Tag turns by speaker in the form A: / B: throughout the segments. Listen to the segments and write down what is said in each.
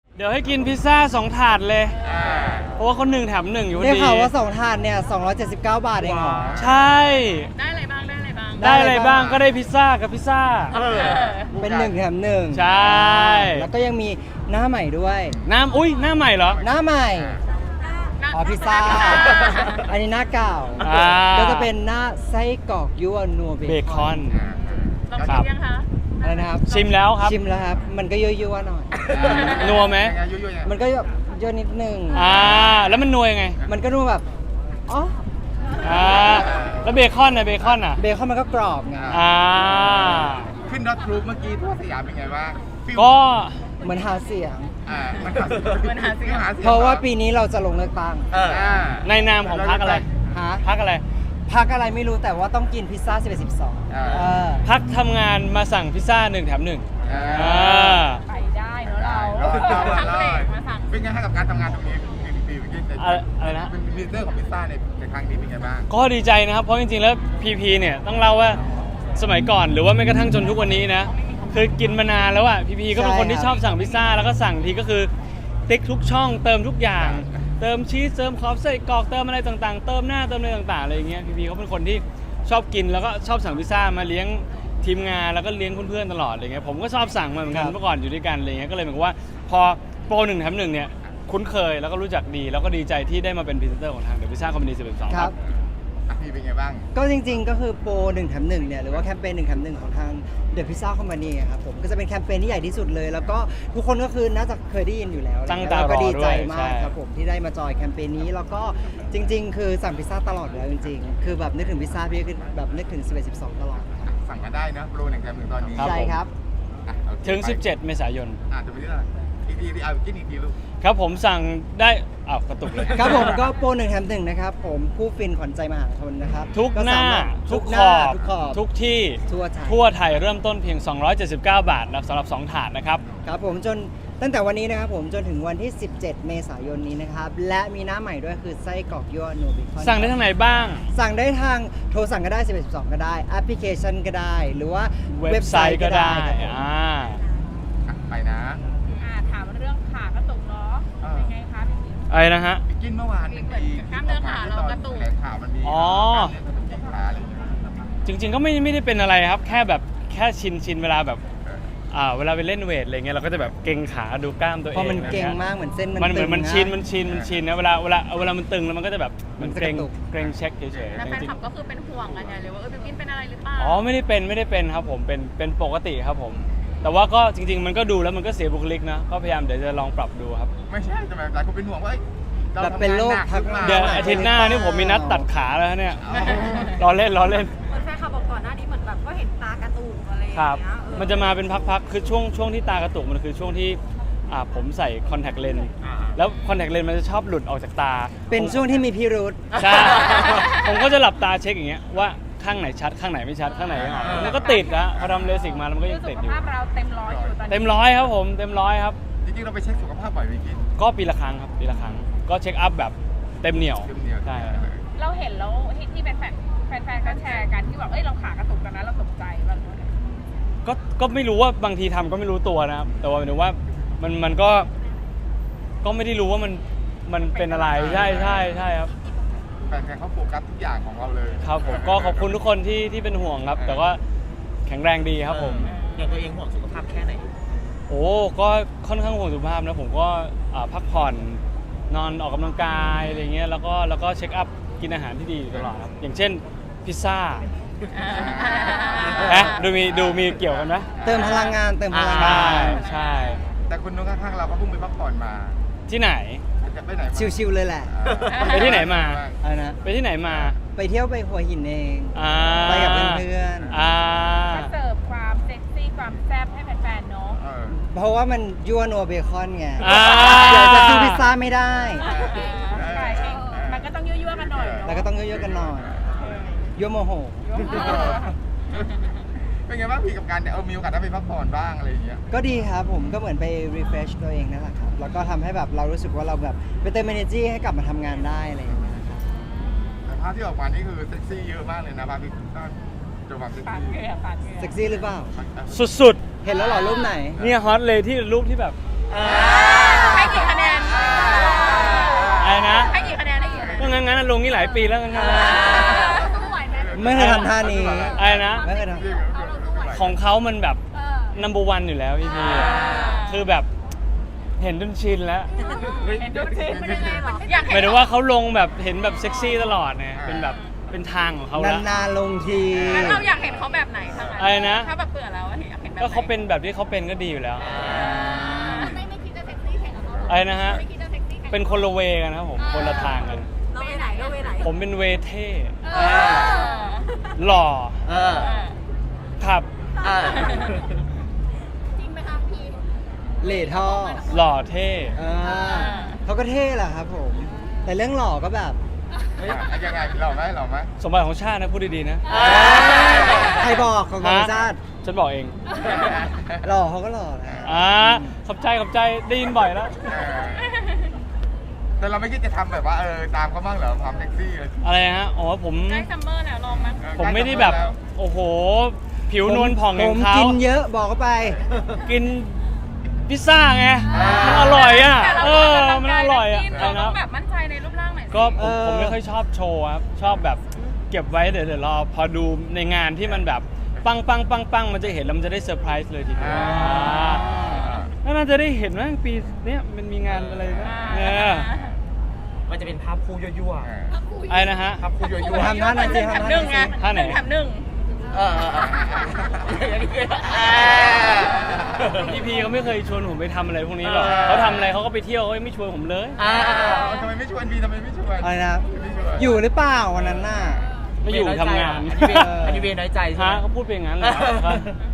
A: เดี๋ยวให้กินพิซซ่า2 ถาดเลยเพราะว่าคน1 แถม 1อยู่พอดี
B: ได้ข่าวว่า2 ถาดเนี่ย279 บาทเองเหรอ
A: ใช่
C: ได้อะไรบ้างได้อะไรบ้าง
A: ได้อะไรบ้างก็ได้พิซซ่ากับพิซซ่า
B: เป็น1 แถม 1
A: ใช่
B: แล้วก็ยังมีหน้าใหม่ด้วย
A: อุ้ยหน้าใหม่เหรอ
B: หน้าใหม่อ๋อพิซซ่าอันนี้หน้าเก่าก็จะเป็นหน้าไส้กรอกยั่วนัวเบคอน
C: ลองชิมยังคะ
B: อะไรนะครับ
A: ชิมแล้วครับ
B: ชิมแล้วครับมันก็ยั่วๆหน่อย
A: นัวไหม
B: มันก็ยั่วนิดนึง
A: แล้วมันนัวยังไง
B: มันก็นัวแบบอ๋อ
A: แล้วเบคอนนะเบคอน
B: มันก็กรอบไง
D: ขึ้นรถทรูปเมื่อกี้ทั่วสยามเป็นไงบ้าง
A: ก็
B: เหมือนหาเสียง
C: มันหาเสียง
B: เพราะว่าปีนี้เราจะลงเลือกตั้ง
A: ในนามของพรรคอะไรพรรคอะไร
B: พักอะไรไม่รู้แต่ว่าต้องกินพิซซ่า11-12
A: พักทำงานมาสั่งพิซซ่า1 แถม 1
C: ไปได้เนอะเราพักเบรกมาสั่ง
D: เป็นไงให้กับการทำงานตรงนี้ปี
A: อะไรนะ
D: เป็นลีดเดอร์ของพิซซ่าในครั้งนี้เป็นไงบ้าง
A: ก็ดีใจนะครับเพราะจริงๆแล้วพีเนี่ยต้องเล่าว่าสมัยก่อนหรือว่าแม้กระทั่งจนทุกวันนี้นะคือกินมานานแล้วอ่ะพีก็เป็นคนที่ชอบสั่งพิซซ่าแล้วก็สั่งทีก็คือติ๊กทุกช่องเติมทุกอย่างเติมชีสเติมคอฟไส้กรอกเติมอะไรต่างๆเติมหน้าเติมอะไรต่างๆอะไรอย่างเงี้ยพีเขาเป็นคนที่ชอบกินแล้วก็ชอบสั่งพิซซ่ามาเลี้ยงทีมงานแล้วก็เลี้ยงเพื่อนๆตลอดอะไรเงี้ยผมก็ชอบสั่งมาเหมือนกันเมื่อก่อนอยู่ด้วยกันอะไรเงี้ยก็เลยเหมือนว่าพอโปร1 แถม 1เนี่ยคุ้นเคยแล้วก็รู้จักดีแล้วก็ดีใจที่ได้มาเป็นพรีเซนเตอร์ของทางเดอะพิซซ่าคอมพานี11-12ครับ
D: พี่เป็นไงบ้าง
B: ก็จริงๆก็คือโปร1 แถม 1เนี่ยหรือว่าแคมเปญ1 แถม 1ของทางเดอะพิซซ่าคอมพานีครับผมก็จะเป็นแคมเปญที่ใหญ่ที่สุดเลยแล้วก็ทุกคนก็คือน่าจะเคยได้ยินอยู่แล้วแล้วก็ดีใจมากครับผมที่ได้มาจอยแคมเปญนี้แล้วก็จริงๆคือสั่งพิซซ่าตลอดแล้วจริงๆคือแบบนึกถึงพิซซ่าพี่ก็แบบนึกถึง11-12ตลอด
D: สั่งมาได้นะโปร1 แถม 1ตอนนี้
B: ใช่ครับ
A: ถึง17 เมษายน
D: จะไปที่ไหนอีกทีกินอีกทีลูก
A: ครับผมสั่งได้กระตุกเลย
B: ครับผมก็โปร1 แถม 1นะครับผมผู้ฟินขวัญใจมหาชนนะครับ
A: ทุกหน้าทุกขอบทุกที่ทั่วไทยเริ่มต้นเพียง279 บาทนะสำหรับ2 ถาดนะครับ
B: ครับผมจนตั้งแต่วันนี้นะครับผมจนถึงวันที่17 เมษายนนี้นะครับและมีหน้าใหม่ด้วยคือไส้กรอกยั่วนัวเบคอน
A: สั่งได้ทางไหนบ้าง
B: สั่งได้ทางโทรสั่งก็ได้11-12ก็ได้แอปพลิเคชันก็ได้หรือว่า
A: เว็บไซต์ก็ได้
D: ไปนะ
C: ถามเรื่องขากระตุกเนาะเป็นไงคะ
A: อะไรนะฮะ
D: กินเมื่อวาน
C: กล้ามเนื้อขาเรากระตุก
D: ข่าวมันมี
A: จริงๆก็ไม่ได้เป็นอะไรครับแค่ชินเวลาแบบเวลาไปเล่นเวทอะไรเงี้ยเราก็จะแบบเกร็งขาดูกล้ามตัวเอง
B: เพราะมันเกร็งมากเหมือนเส้น
A: มันเหมือนมันชินนะเวลามันตึงแล้วมันก็จะแบบมันเกร็งเช็คเฉยๆ
C: แล้วแฟนคลับก็คือเป็นห่วงกันไงเลยว่าบิวกินเป็นอะไรหรือเปล่า
A: ไม่ได้เป็นครับผมเป็นปกติครับผมแต่ว่าก็จริงๆมันก็ดูแล้วมันก็เสียบุคลิกนะก็พยายามเดี๋ยวจะลองปรับดูครับ
D: ไม่ใช่แต่หลายคนเป็นห่วงว่า
B: เราเป็นโรคพัก
A: เดี๋ยวอาทิตย์หน้านี่ผมมีนัดตัดขาแล้วเนี่ยรอเล่น
C: แฟนคลับบอกก่อนหน้านี้เหมือนแบบก็เห็นตากระตุกอะไรอย่างเงี้ย
A: มันจะมาเป็นพักๆคือช่วงที่ตากระตุกมันคือช่วงที่ผมใส่คอนแทคเลนส์แล้วคอนแทคเลนส์มันจะชอบหลุดออกจากตา
B: เป็นช่วงที่มีพิรุธ
A: ใช่ผมก็จะหลับตาเช็คอย่างเงี้ยว่าข้างไหนชัดข้างไหนไม่ชัดข้างไหนมันก็ติดนะพอทำเลสิกมาแล้วมันก็ยังติดอยู่
C: สุขภาพเราเต็มร้อยอยู่ตอนนี้
A: เต็มร้อยครับผมเต็มร้อยครับ
D: จริงๆเราไปเช็คสุขภาพบ่อยไหมกิน
A: ก็ปีละครั้งครับปีละครั้งก็เช็คอัพแบบเต็มเหนียวใช่
C: เราเห็นแล้วที่แฟนก็แชร์กันที่แบบเราขากระตุกกันนะเราตกใจบ้าง
A: ก็ไม่รู้ว่าบางทีทำก็ไม่รู้ตัวนะครับแต่ว่าหมายถึงว่ามันก็ไม่ได้รู้ว่ามันเป็นอะไรใช่ครับ
D: แฟนเขาโฟกัสทุกอย่างของเราเลย
A: ครับผมก็ขอบคุณทุกคนที่เป็นห่วงครับแต่ว่าแข็งแรงดีครับผม
E: อย่างตัวเองห่วงสุขภาพแค่ไหน
A: ก็ค่อนข้างห่วงสุขภาพนะผมก็พักผ่อนนอนออกกำลังกายอะไรเงี้ยแล้วก็เช็คอัพกินอาหารที่ดีตลอดครับอย่างเช่นพิซซ่าดูมีเกี่ยวกันไหม
B: เติมพลังงาน
A: ใช่
D: แต่คนนู้นข้างๆเราก็เพิ่งไปพักผ่อนมา
A: ที่ไหน
B: ชิวๆเลยแหละ
A: ไปที่ไหนมา
B: ไป
A: ที่ไหนมา
B: ไปเที่ยวไปหัวหินเองไปกับเพื่อน
C: เสิร์ฟความเซ็กซี่ความแซ่บให้แฟนๆเนาะ
B: เพราะว่ามันยั่วนัวเบคอนไงเดี๋ยวจะซื้อพิซซ่าไม่ได้
C: มันก็ต้องยั่วๆกันหน่อย
B: แล้วก็ต้องยั่วๆกันหน่อยยั่วโมโห
D: เป็นไงบ้างพี่กับการมีโอกาสได้ไปพักผ่อนบ้างอะไรอย่างเงี้ย
B: ก็ดีครับผมก็เหมือนไป refresh ตัวเองนั่นแหละครับแล้วก็ทำให้แบบเรารู้สึกว่าเราแบบไปเติม energy ให้กลับมาทำงานได้อะไรอย่างเงี้ยครับ
D: แต่ภาพที่ออกมานี่คือเซ็กซี่เยอะมากเลยนะภาพพี่จะแบบเซ็ก
B: ซี่หรือเปล่า
A: สุด
B: เห็นแล้วหรอรูปไหน
A: เนี่ยฮอตเลยที่รูปที่แบบอะไรนะ
C: ให้กี่คะแนนให้กี่คะแนน
A: ก็งั้นลงนี่หลายปีแล้วงั้น
C: สู้ไหวไหม
B: ไม่เคยทำท่านี้
A: อะไรนะ
B: ไม่เคยท
A: ของเขามันแบบ number one อยู่แล้วพี่คือแบบเห็นจนชินแล้ว
C: เห็นดูสิมันยังไงหรออยาก
A: ห
C: เห็
A: มาย
C: น
A: ถึงว่าเขาลงแบบเห็นแบบเซ็กซี่ตลอดเนี่ยเป็นแบบเป็นทางของเขาแล้ว
B: นานๆลงที
C: งั้นเราอยากเห็นเขาแบบไหนทั้งนั้น
A: อะไรนะ
C: ถ้าแบบเบื่อแล้วอยากเห็นแบบไหน
A: ก็เขาเป็นแบบที่เขาเป็นก็ดีอยู่แล้ว
C: ไม่คิดจะเซ็กซี่แข่งกับเขา
A: อะไรนะฮะ
C: ไม่คิดจะเซ็กซี่แข่ง
A: เป็นคนละเวกันนะครับผมคนละทางกัน
C: เราไปไหนเราไปไหน
A: ผมเป็นเวเท่
C: เออ
A: หล่อ
E: เออ
A: ขับ
E: เออ
C: จริงไหมคะพี่
B: เหล่ท่อ
A: หล่อเท่
B: เขาก็เท่แหละครับผม แต่เรื่องหล่อก็แบบ
D: ยังไงหล่อไหม
A: สมบัติของชาตินะพูดดีๆนะ
B: ใครบอกของธรรมชาติ
A: ฉันบอกเอง
B: หล่อเขาก็หล่อแหละ
A: ขอบใจได้ยินบ่อยแล้ว
D: แต่เราไม่คิดจะทำแบบว่าตามเขาบ้างเหรอความเซ็กซี่เลย
A: อะไรฮะอ๋อผม
C: ใกล้ซัมเมอร์แล้วลองไหม
A: ผมไม่ได้แบบโอ้โห ผิวนวลผ่องอ
B: ผ
A: ย่าง
B: ม
A: เขา
B: กินเยอะบอกเขาไป
A: กินพิซซ่าไงมันอร่อยอ่ะ
C: แต่เรา
A: มันอร่อยอ่ะ
C: เรา
A: อะไร
C: ต้อ
A: นะ
C: งแบบมั่นใจในรูปร่างหน่อยสิ
A: ก็ผมไม่ค่อยชอบโชว์ครับชอบแบบเก็บไว้เดี๋ยวรอพอดูในงานที่มันแบบปังมันจะเห็นแล้วมันจะได้เซอร์ไพรส์เลยทีเดียวแล้วน่าจะได้เห็นว่าปีเนี้ยมันมีงานอะไรนะเนี่ย
E: มันจะเป็นภาพคู่ยั่ว
A: อะไรนะฮะ
E: ๆภาพคู่ยั่วๆ
B: ทำหน้าหน่อยสิ
C: แถมหนึ่งไง
A: ท่าไหน
C: แถมหนึ่ง
E: เออ
A: พี่เขาไม่เคยชวนผมไปทำอะไรพวกนี้หรอกเขาทำอะไรเขาก็ไปเที่ยวเขาไม่ชวนผมเลย
D: ทำไมไม่ชวนพี่ทำไมไม่ชวน
B: อะไรนะ อยู่หรือเปล่าวันนั้นน่ะ
A: ไม่อยู่ทำงาน
E: อันนี้เวรน้อยใจใช่ไห
A: ฮะ
E: ม
A: เขาพูดไปอย่างนั้นเลยครับ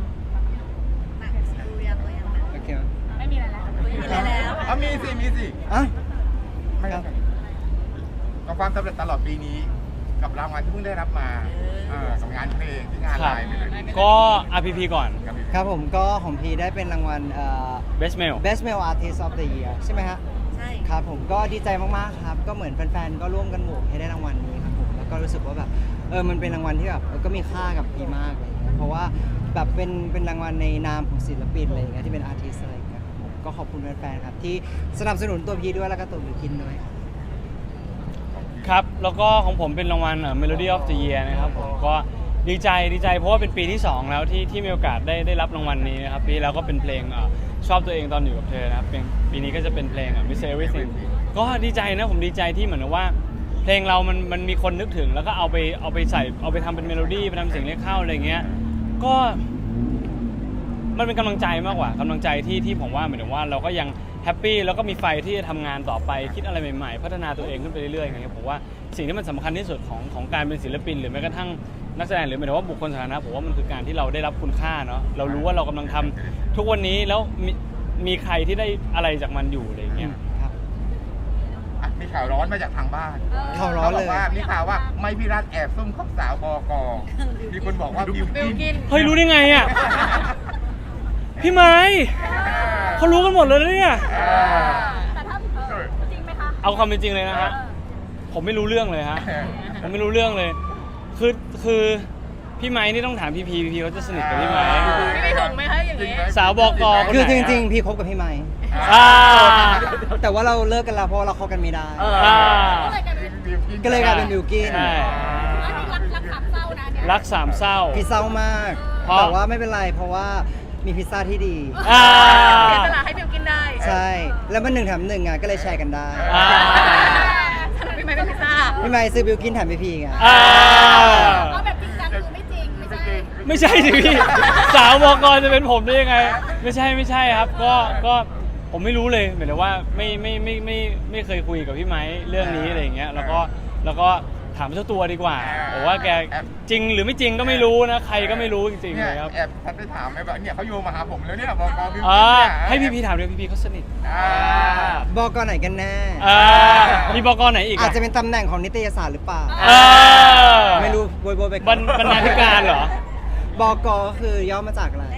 B: โอเค
C: ไม่มีอะไรแล้ว
D: มีสิ
B: อ่ะ
D: ไม่ครับกับความสำเร็จตลอดปีนี้ กับรางวัลที่เพิ่งได้รับมากับงานเพลงที่งาน
A: ค
D: ไล
A: รับ
D: น์ไปเลย
A: ก็ RPP ก่อน
B: ครับผมก็ของพีได้เป็นรางวัล
A: Best Mail
B: Best Male Artist of the Year ใช่ไหมฮะ
C: ใช่
B: ครับผมก็ดีใจมากๆครับ ก็เหมือนแฟนๆ ก็ร่วมกันโหวตให้ได้รางวัลนี้ครับผมแล้วก็รู้สึกว่าแบบมันเป็นรางวัลที่แบบก็มีค่ากับพีมากอะไรอย่างเงี้ยเพราะว่าแบบเป็นรางวัลในนามของศิลปินอะไรอย่างเงี้ยที่เป็นอาร์ติสอะไรอย่างเงี้ยครับผมก็ขอบคุณแฟนๆครับที่สนับสนุนตัวพีด้วยแล้วก็ตัวบิวกินด้วยครับ
A: ครับ แล้วก็ของผมเป็นรางวัลMelody of the Year นะครับผมก็ดีใจเพราะว่าเป็นปีที่ 2 แล้วที่มีโอกาสได้รับรางวัลนี้นะครับปีแล้วก็เป็นเพลงชอบตัวเองตอนอยู่กับเธอนะครับปีนี้ก็จะเป็นเพลงMiss Everything ก็ดีใจนะผมดีใจที่เหมือนว่า เพลงเรามันมีคนนึกถึงแล้วก็เอาไปใส่เอาไปทำเป็นเมโลดี้ไปทำเสียงเรียกเข้าอะไรเงี้ยก็มันเป็นกำลังใจมากกว่ากำลังใจที่ผมว่าเหมือนว่าเราก็ยังแฮปปี้แล้วก็มีไฟที่จะทำงานต่อไปคิดอะไรใหม่ๆพัฒนาตัวเองขึ้นไปเรื่อยๆอย่างเงี้ยผมว่าสิ่งที่มันสำคัญที่สุดของการเป็นศิลปินหรือแม้กระทั่งนักแสดงหรือหมายถึงว่าบุคคลสาธารณะผมว่ามันคือการที่เราได้รับคุณค่าเนาะเรารู้ว่าเรากำลังทำทุกวันนี้แล้วมีใครที่ได้อะไรจากมันอยู่อะไรเงี้ย
B: ครับ
D: มีข่าวร้อนมาจากทางบ้าน
B: ข่าวร้อน
D: เขาบ
B: เล
D: อย กว่ามีข่าวว่าไม่พี่รัฐแอบซุ่มคบสาวบกมีคนบอกว่าบิว
C: บิว
D: กิ
C: กิ
D: น
C: น
A: เฮ้ยรู้ได้ไงอ่ะพี่ไม้เขารู้กันหมดเลยนะเนี่ย
C: แต่ถ้าจริงไหมคะ
A: เอาความเป็นจริงเลยนะฮะผมไม่รู้เรื่องเลยฮะผมไม่รู้เรื่องเลยคือพี่ไม้นี่ต้องถามพี่พีเขาจะสนิทกับพี่ไม้
C: พี่ไม่ถึงไหมคะอย่างนี้
A: สาวบกคน
B: คือ
A: ไหน
B: จริงๆ พี่คบกับพี่ไม้
A: อ่า
B: แต่ว่าเราเลิกกันแล้วเพราะว่าเราคบกันไม่ได้
A: อ่า
B: ก็เลยกลายเป็นบิวกิน
A: ใช่
C: รักขับเศร้านะเนี่ย
A: รักสามเศร้า
B: พี่เศร้ามาก
A: เพราะ
B: แต่ว่าไม่เป็นไรเพราะว่ามีพิซซ่าที่ดี
A: อ่า
C: เสียสละให้บิวกินได้
B: ใช่ แล้วมัน1 แถม 1อ่ะก็เลยแชร์กันได้
A: อ่า
C: สนุกพี่ไม่เป็นพิซซ่า
B: พี่ไม้ซื้อบิวกินแถมพี่ไง
A: อ่า
C: เอาแบบจริงจังคือไม่จริงไม่ใช่
A: ไม่ใช่สิพี่สาวบกจะเป็นผมได้ยังไง ไม่ใช่ครับก็ผมไม่รู้เลยหมายถึงว่าไม่เคยคุยกับพี่ไม้เรื่องนี้อะไรอย่างเงี้ยแล้วก็ถามเจ้าตัวดีกว่าผมว่าแกจริงหรือไม่จริงก็ไม่รู้นะใครก็ไม่รู้จริงๆ
D: เนี่
A: เลย ยครับ
D: แอบทันไปถามไหมแบบเนี่ยเขาโยงมาหาผมแล้วเนี่ยบกบิวกิน
A: อ่า
D: เนี่ย
A: ให้พี่ถามด้วยพี่เขาสนิท
B: บอกไหนกันแน่
A: มีบกไหนอีก
B: อาจจะเป็นตำแหน่งของนิตยสารหรือเปล่า ไม่รู้โบยไปก่อน
A: บรรณาธิการเหรอ
B: บอกก็คือย่อมาจากอะไร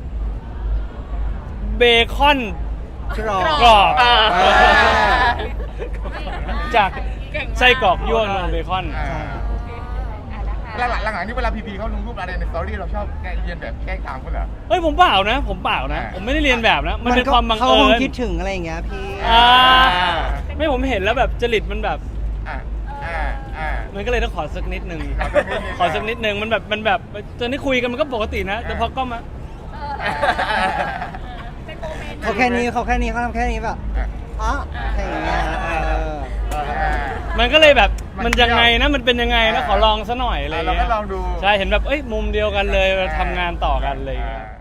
A: เบคอน
B: กรอบ
A: กรอบ
B: อ่า
A: จาก
C: เก่งมาก
A: ไส้กรอกยั่วนมเบคอน
D: หลังๆนี่เวลาพีเขาลงรูปอะไรในสตอรี่เราชอบแกล้งเรียนแบบแกล้งตามเขาเหรอ
A: เฮ้ยผมเปล่านะ ผมไม่ได้เรียนแบบนะ มันเป็นความบัง
B: เขา
A: เอิ
B: คง
A: ญ
B: คิดถึงอะไรอย่างเงี้ยพี่
A: อ่าไม่ผมเห็นแล้วแบบจริตมันแบบ
D: อ่าอ่าอ่า
A: มันก็เลยต้องขอสักนิดนึง
D: ขอสักนิดนึง
A: มันแบบตอนนี้คุยกันมันก็ปกตินะ แต่พอก็มา
C: เป็นโมเมนต์
B: เขาแค่นี้เขาทำแค่นี้แบบอ๋อแค่อย่างเงี้ย
A: มันก็เลยแบบ
D: มัน
A: มันยังไงนะมันเป็นยังไงนะขอลองซะหน่อยอะไร
D: เรา
A: เงี้
D: ก็
A: ย
D: ลองดู
A: ใช่เห็นแบบเอ้ยมุมเดียวกันเลยเราทำงานต่อกันอะไรเงี้ย